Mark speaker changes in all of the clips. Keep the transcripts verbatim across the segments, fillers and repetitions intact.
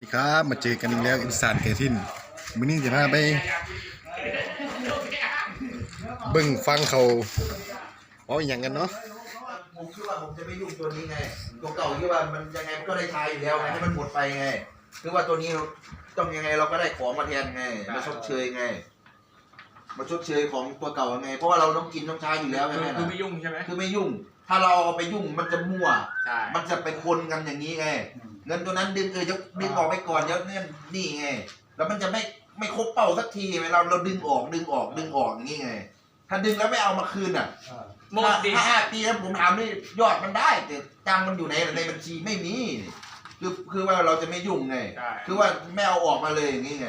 Speaker 1: ครับมาเจอกันอีกแล้วอีสานเกทินมื้อนี้จะพาไปเบิ่งฟังเขาเอาอหย่างกันเนาะ
Speaker 2: ผมคิดว่าผมจะไม่ยุ่งตัวนี้ไงตัวเก่าคิดว่ามันยังไงมันก็ได้ใช้อยู่แล้วไงให้มันหมดไปไงคือว่าตัวนี้ต้องยังไงเราก็ได้ของมาแทนไงมาชดเชยไงมาชดเชยของตัวเก่าไงเพราะว่าเราต้องกินต้องใช้อยู่แล้วใช่ไหมคือไม่ยุ่งใช่ไหมคือไม่ยุ่งถ้าเราเอาไปยุ่งมันจะมั่วมันจะไปคนกันอย่างนี้ไงเงินตัวนั้นดึงเออจะดึงออกไปก่อนเดี๋ยวเนี่ยนี่ไงแล้วมันจะไม่ไม่ครบเป้าสักทีไงเราเราดึงออกดึงออกดึงออกอย่างนี้ไงถ้าดึงแล้วไม่เอามาคืนอ่ะหมดดีห้าปีแล้วผมถามนี่ยอดมันได้แต่ตังมันอยู่ในในบัญชีไม่มีคือคือว่าเราจะไม่ยุ่งไงคือว่าไม่เอาออกมาเลยอย่างนี้ไง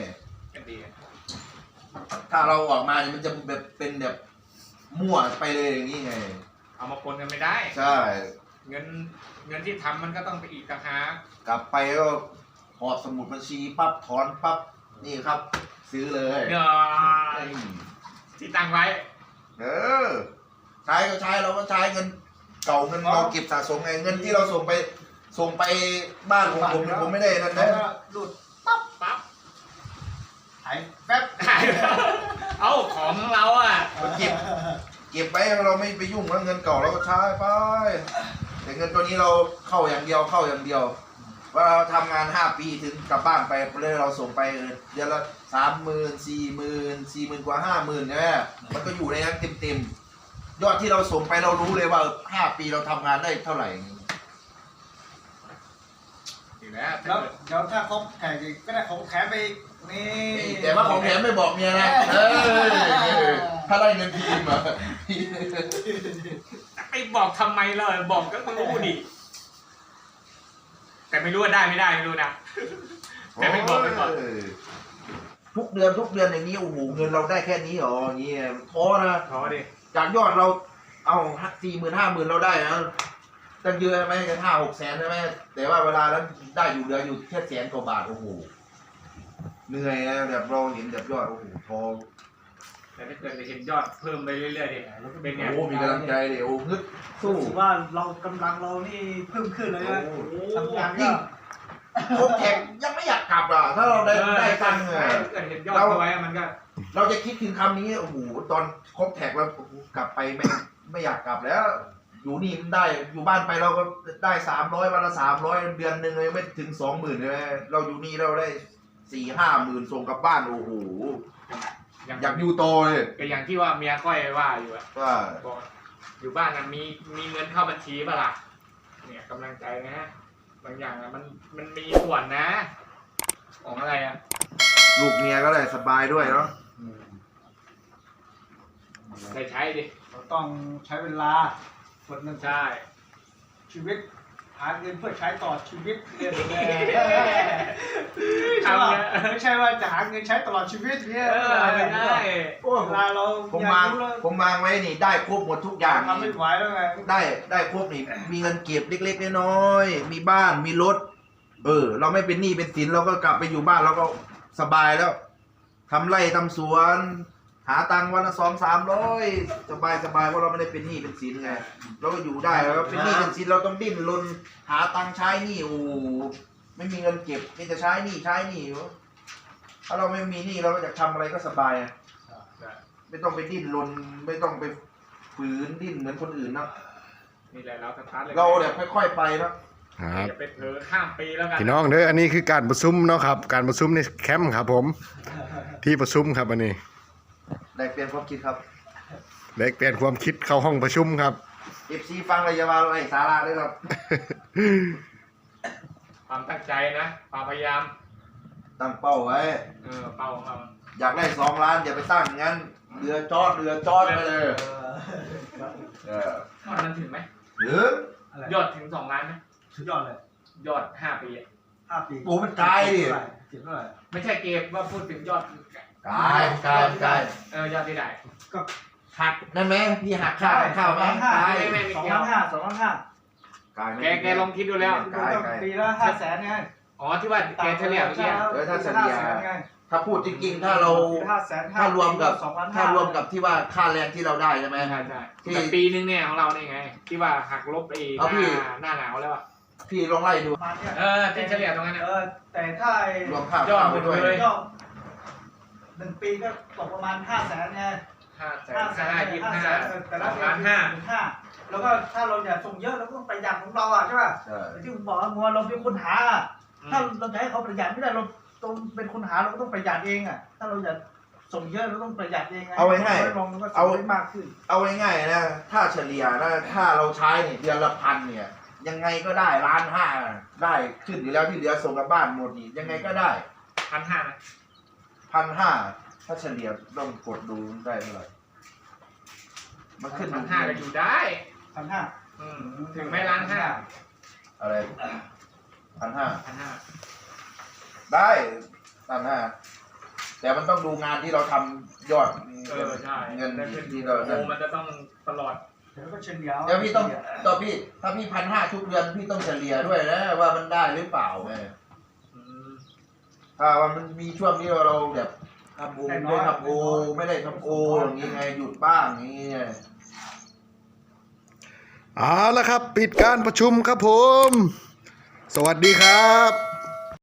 Speaker 2: ถ้าเราออกมามันจะแบบเป็นแบบมั่วไปเลยอย่างนี้ไง
Speaker 3: เอามาปนกันไม่ได้
Speaker 2: ใช่
Speaker 3: เงินเงินที่ทำมันก็ต้องไปอีกต่างหาก
Speaker 2: กลับไปก็หอบสมุดบัญชีปั๊บถอนปั๊บนี่ครับซื้อเลย
Speaker 3: เงินที่ตั้งไว้
Speaker 2: เออใช้ก็ใช้เราก็ใช้เงินเก่าเงินเราเก็บสะสมไงเงินที่เราส่งไปส่งไปบ้านของผมผมไม่ได้นั่นนะ
Speaker 3: หลุดปั๊บปั๊บ
Speaker 2: หายแป๊บ
Speaker 3: หายเอาของเราอ่ะ
Speaker 2: เก็บเก็บไปเราไม่ไปยุ่งแล้วเงินเก่าเราก็ใช้ไปแต่เงินตัวนี้เราเข้าอย่างเดียวเข้าอย่างเดียวว่าเราทำงานห้าปีถึงกลับบ้านไปเลยเราส่งไปเดือนละสามหมื่นสี่หมื่นสี่หมื่นกว่าห้าหมื่นเนี่ยมันก็อยู่ในนั้นเต็มๆยอดที่เราส่งไปเรารู้เลยว่าห้าปีเราทำงานได้เท่าไหร่
Speaker 4: แล้วเดี๋ยวถ้าเขาแข่งก็ได้ของแถมไปนี่
Speaker 2: แต่ว่าของแถมไม่บอกเมียนะถ้าได้เงินทีมอ่ะ
Speaker 3: ไปบอกทำไมเลยบอกก็รู้ดิแต่ไม่รู้ว่าได้ไม่ได้ไม่รู้นะแต่ไม่บอกไปก่อน
Speaker 2: ทุกเดือนทุกเดือนอย่างนี้โอ้โหเงินเราได้แค่นี้หรออย่างนี้ท้อนะ
Speaker 3: ท้อดิ
Speaker 2: จากยอดเราเอาสี่หมื่นห้าหมื่นเราได้นะตั้งเยอะไหมกันห้าหกแสนใช่ไหมแต่ว่าเวลานั้นได้อยู่เดือนอยู่แค่แสนกว่าบาทโอ้โหเหนื่อยนะแบบเราเห็นแบบยอดโอ้โหท้อ
Speaker 3: แต่ถ้าเกิดเห็นยอดเพิ่มไปเรื่อยๆเนี่ยเป็นไง
Speaker 2: โอ้มีกำลังใจเดี๋ยวฮึด
Speaker 4: สู้ว่าเรากำลังเรานี่เพิ่มขึ้นเลยนะทำงานก็
Speaker 2: โคแข่งยังไม่อยากกลับอ่ะถ้าเราได้ได้ตังค์
Speaker 3: เราไว้มันก็
Speaker 2: เราจะคิดถึงคำนี้โอ้โหตอนครบแท็กแล้วกลับไปไม่ไม่อยากกลับแล้วอยู่นี่มันได้อยู่บ้านไปเราก็ได้สามร้อยวันละสามร้อยเดือนหนึ่งเลยไม่ถึงสองหมื่นเลยเราอยู่นี่เราได้สี่ห้าหมื่นส่งกลับบ้านโอ้โหอยากอยู่โตเลย
Speaker 3: ก็อย่างที่ว่าเมียค่อยว่าอยู่อะ
Speaker 2: ว่า
Speaker 3: อยู่บ้านนะมีมีเงินเข้าบัญชีป่ะล่ะเนี่ยกำลังใจนะบางอย่างอะมันมันมีส่วนนะของอะไรอะ
Speaker 2: ลูกเมียก็เลยสบายด้วยเนาะ
Speaker 3: ได้ใช้ดิ
Speaker 4: เราต้องใช้เวลาส่วนหนึ่ง
Speaker 3: ใช่
Speaker 4: ชีวิตหาเงินเพื่อใช้ต่อชีวิตเนี่ยไม่ใช่ว่าจะหาเงินใช้ตลอดชีวิตเนี่ย
Speaker 3: ไม่ได้
Speaker 4: เวลาเรา
Speaker 2: ผมวางผมวางไว้นี่ได้ครบหมดทุกอย่าง
Speaker 4: ทำไม่ไหวแล้วไง
Speaker 2: ได้ได้ครบนี่มีเงินเก็บเล็กๆน้อยๆมีบ้านมีรถเออเราไม่เป็นหนี้เป็นสินเราก็กลับไปอยู่บ้านเราก็สบายแล้วทำไร่ทำสวนหาตังค์วันละสองสามร้อยสบายสบายเพราะเราไม่ได้เป็นหนี้เป็นสินไงเราก็อยู่ได้แล้วเป็นหนี้เป็นสินเราต้องดิ้นรนหาตังค์ใช้หนี้โอ้ไม่มีเงินเก็บมีแต่ใช้หนี้ใช้หนี้ถ้าเราไม่มีหนี้เราก็จะทำอะไรก็สบายไม่ต้องไปดิ้นรนไม่ต้องไปฝืนดิ้นเหมือนคนอื่นนะ
Speaker 3: นี่แหละเราสตาร์ทเลย
Speaker 2: เราแบบค่อยๆไปนะ
Speaker 3: อย่าไปเผลอข้ามปีแล้วกัน
Speaker 1: พี่น้องเด้ออันนี้คือการประชุมเนาะครับการประชุมในแคมป์ครับผมที่ประชุมครับอันนี้
Speaker 2: ได้เปลี่ยนความคิดครับ
Speaker 1: ได้เปลี่ยนความคิดเข้าห้องประชุมครับ
Speaker 2: เอฟซีฟังเลยอย่ามาอะไรสาระด้วยครับ
Speaker 3: ความตั้งใจนะความพยายาม
Speaker 2: ตั้งเป้าไว้
Speaker 3: เออเป้าของเรา
Speaker 2: อยากได้สองล้านอย่าไปตั้งงั้นเรือจอดเรือจอดไปเลย
Speaker 3: เออยอดมันถึงไหม
Speaker 2: หรื
Speaker 3: อยอดถึงสองล้านไหม
Speaker 4: สุดยอดเลย
Speaker 3: ยอดห้าปี
Speaker 4: ห้าปี
Speaker 2: โอ้มันไกลดิ
Speaker 4: เท่าไหร่
Speaker 3: ไม่ใช่เกมว่าพูดถึงยอด
Speaker 2: ไกลไกลไกล
Speaker 3: เออยอดที่ไหน
Speaker 4: ก็
Speaker 2: หักนั่นไหมพี่หักข้าวข้าวไหม
Speaker 4: ไม่ไม่สองล้านห้าสองล้านห้า
Speaker 3: แกแกลองคิดดูแล้ว
Speaker 4: ปีละห้าแสนไง
Speaker 3: อ๋อที่ว่าแกเฉลี่ยเมื่อกี้
Speaker 2: เออถ้าเฉลี่ยถ้าพูดจริงๆถ้าเราถ้ารวมกับถ้ารวมกับที่ว่าค่าแรงที่เราได้ใช่ไหม
Speaker 3: ใช่ใช่ที่ปีนึงเนี่ยของเราเนี่ยไงที่ว่าหักลบไปหน้าหน้าหนาวแล้วอ่ะ
Speaker 2: พี่ลองไล่ดู
Speaker 4: ประมาณเนี้ย
Speaker 3: เออที่เฉลี่ยตรงนั้นนะ
Speaker 4: เออแต่ถ้าร
Speaker 2: วมค่าย
Speaker 3: อด
Speaker 2: ข้าว
Speaker 3: หม
Speaker 2: ไป
Speaker 3: ด
Speaker 2: ด้วย
Speaker 3: เลย
Speaker 4: ยอดหนึ่งปีก็ตกประมาณห้าแสนไง
Speaker 3: ห้าแสน
Speaker 4: ห้าแสน
Speaker 3: ห้ายี่สิบห้า
Speaker 4: แต่
Speaker 3: ส
Speaker 4: ละ
Speaker 3: องล้านห้า
Speaker 4: ห้าแล้วก็ถ้าเราอยากส่งเยอะเราก็ต้องประหยัดของเราอ่ะใช่ป่ะ
Speaker 2: ใช่
Speaker 4: ที่ผมบอกว่างัวเราเป็นคนหาอะถ้าเราจะให้เขาประหยัดไม่ได้เราต้องเป็นคนหาเราก็ต้องประหยัดเองอ่ะถ้าเราอยากส่งเยอะเราต้องประหยัดเองไง
Speaker 2: เอาไว้ง่าย
Speaker 4: ลองมันก็ส่
Speaker 2: เอา
Speaker 4: งได้มากขึ้น
Speaker 2: เอาง่ายๆนะถ้าเฉลี่ยนะถ้าเราใช้เนี่ยเดือนละพันเนี่ย ยังไงก็ได้ล้านห้าได้ขึ้นอยู่แล้วที่เหลือส่งกลับบ้านหมดนี่ยังไงก็ได้
Speaker 3: พันห้านะ
Speaker 2: พันห้าถ้าเฉลี่ยต้องกดดูได้เท่าไหร่มันขึ้น
Speaker 3: พันห้าก็อยู่ได้
Speaker 4: พันห้า
Speaker 3: อืมถึงไม่ล้านห้า
Speaker 2: อะไรพันห้า
Speaker 3: พันห้า
Speaker 2: ได้พันห้าแต่มันต้องดูงานที่เราทำยอด
Speaker 3: เออใช่
Speaker 2: เงิน
Speaker 3: ได้ขึ้น
Speaker 2: ที่เรา
Speaker 3: โอ้มันจะต้องตลอด
Speaker 4: เดี๋ยวก็เฉลี่ย
Speaker 2: เดี๋ยวพี่ต้องต่อพี่ถ้าพี่พันห้าทุกเดือนพี่ต้องเฉลี่ยด้วยนะว่ามันได้หรือเปล่าไง
Speaker 3: อืม
Speaker 2: ถ้าว่ามันมีช่วงที่เราแบบทำโอไม่ได้ทำโอไม่ได้ทำโออย่างงี้ไงหยุดบ้างอย่างงี้ไง
Speaker 1: เอาละครับ ปิดการประชุมครับผม สวัสดีครับ